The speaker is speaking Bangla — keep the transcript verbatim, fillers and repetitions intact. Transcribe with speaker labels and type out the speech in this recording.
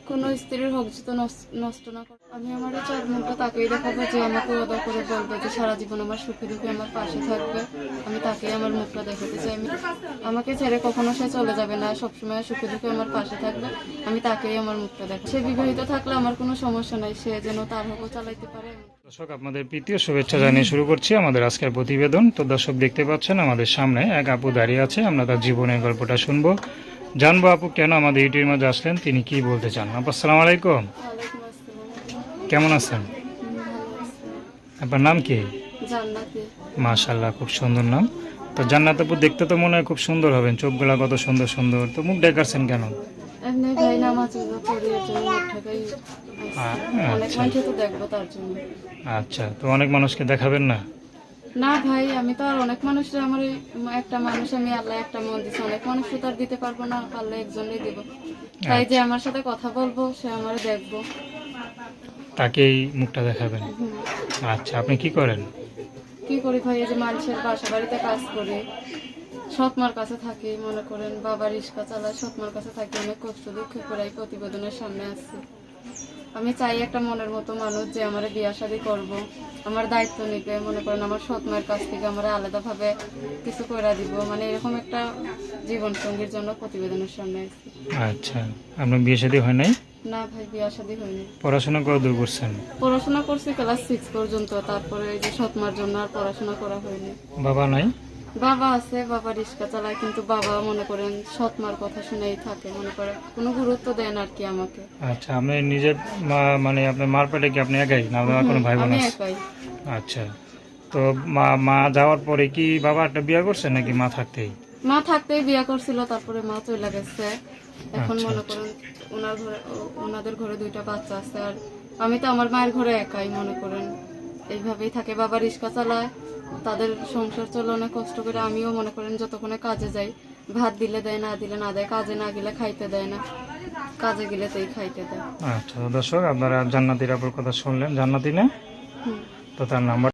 Speaker 1: কোনো স্ত্রীর হোক তো নষ্ট না করে। আমি আমার এই চার মুখটা তাকেই দেখাবো যে আমাকে অদা করে বলবে যে সারা জীবন আমার সুখে দুঃখে আমার পাশে থাকবে। আমি তাকেই আমার মুখটা দেখাতে চাই। আমি আমাকে ছেড়ে কখনো সে চলে যাবে না, সবসময় সুখে দুঃখে আমার পাশে থাকবে। আমি তাকেই আমার মুখটা দেখাবো। সে বিবাহিত থাকলে আমার কোনো সমস্যা নাই, সে যেন তার হকও চালাইতে পারে।
Speaker 2: দর্শক, আপনাদের প্রীতীয় শুভেচ্ছা জানিয়ে শুরু করছি আমাদের আজকের প্রতিবেদন। তো দর্শক, দেখতে পাচ্ছেন আমাদের সামনে এক আপু দাঁড়িয়ে আছে। আমরা তার জীবনের গল্পটা শুনবো, জানবো আপু কেন আমাদের ইউটিউবের মাঝে আসলেন, তিনি কি বলতে চান। আপু আসসালামু আলাইকুম,
Speaker 1: ওয়ালাইকুম আসসালাম।
Speaker 2: কেমন আছেন?
Speaker 1: হুম, ভালো আছি।
Speaker 2: আপনার নাম কি?
Speaker 1: জান্নাতি।
Speaker 2: মাশাআল্লাহ, খুব সুন্দর নাম। তো জান্নাত আপু, দেখতে তো মনে হয় খুব সুন্দর হবেন, চোখগুলা কত সুন্দর সুন্দর। তো মুখ দেখাচ্ছেন কেন?
Speaker 1: এমনি ভাই নামাজ পড়ি এর জন্য মুখটাকেই
Speaker 2: আ-
Speaker 1: অনেক
Speaker 2: আচ্ছা
Speaker 1: মানুষ তো দেখবো তার জন্য।
Speaker 2: আচ্ছা, তো অনেক মানুষকে দেখাবেন না?
Speaker 1: না ভাই, আমি তো আর অনেক মানুষের আমার এই একটা মানুষ আমি আল্লাহ একটা মন দিচ্ছে, অনেক মানুষ তো তার দিতে পারবো না, পারলে একজনই দিব। তাই যে আমার সাথে কথা বলবো সে আমার দেখবো।
Speaker 2: তাকেই মুখটা দেখাবেন?
Speaker 1: হুম।
Speaker 2: আচ্ছা, আপনি কি করেন?
Speaker 1: কি করি ভাই, এই যে মানুষের বাসা বাড়িতে কাজ করি, সৎমার কাছে থাকি, মনে করেন বাবা রিক্সা চালায়, সৎমার কাছে থাকি, অনেক কষ্ট দুঃখ করে এই প্রতিবেদনের সামনে আসছি। আমি চাই একটা মনের মতো মানুষ যে আমার বিয়া শাদী করবো, আমার দায়িত্ব নিতে, মনে করেন আমার সৎ মায়ের কাছ থেকে আমার আলাদাভাবে কিছু করে দিব, মানে এরকম একটা জীবন সঙ্গীর জন্য প্রতিবেদনের সামনে আসছি।
Speaker 2: আচ্ছা, আপনার বিয়ে শাদী হয় নাই?
Speaker 1: না ভাই, বিয়া শাদী হয়নি।
Speaker 2: পড়াশোনা কত দূর করছেন?
Speaker 1: পড়াশোনা করছি ক্লাস সিক্স পর্যন্ত, তারপরে এই যে সৎমার জন্য আর পড়াশোনা করা হয়নি।
Speaker 2: বাবা নাই?
Speaker 1: বাবা আছে, বাবা রিক্সা চালায়, কিন্তু বাবা মনে করেন সৎমার কথা শুনেই থাকে, মনে করে কোনো গুরুত্ব দেন আর কি আমাকে।
Speaker 2: আচ্ছা, আপনি নিজে মা, মানে আপনার মার পেটে কি আপনি একাই না আপনার কোনো ভাই বোন
Speaker 1: আমি
Speaker 2: আছে?
Speaker 1: একাই।
Speaker 2: আচ্ছা, তো মা মা যাওয়ার পরে কি বাবা একটা বিয়ে করছে নাকি মা থাকতেই?
Speaker 1: মা থাকতেই বিয়া করছিল, তারপরে মা চলে গেছে। এখন
Speaker 2: আচ্ছা,
Speaker 1: মনে
Speaker 2: আচ্ছা।
Speaker 1: করেন ওনার ঘরে ও- ওনাদের ঘরে দুইটা বাচ্চা আছে, আর আমি তো আমার মায়ের ঘরে একাই, মনে করেন এইভাবেই থাকে। বাবা রিক্সা চালায়, তাদের সংসার চলে অনেক কষ্ট করে। আমিও মনে করেন যতক্ষণে কাজে যাই, ভাত দিলে দেয়, না দিলে না দেয়, কাজে না গেলে খাইতে দেয় না, কাজে গেলে তাই খাইতে দেয়।
Speaker 2: আচ্ছা, তো দর্শক, আপনারা জান্নাতির আপুর কথা শুনলেন, জান্নাতি না?
Speaker 1: হুম।
Speaker 2: তো তার নাম্বার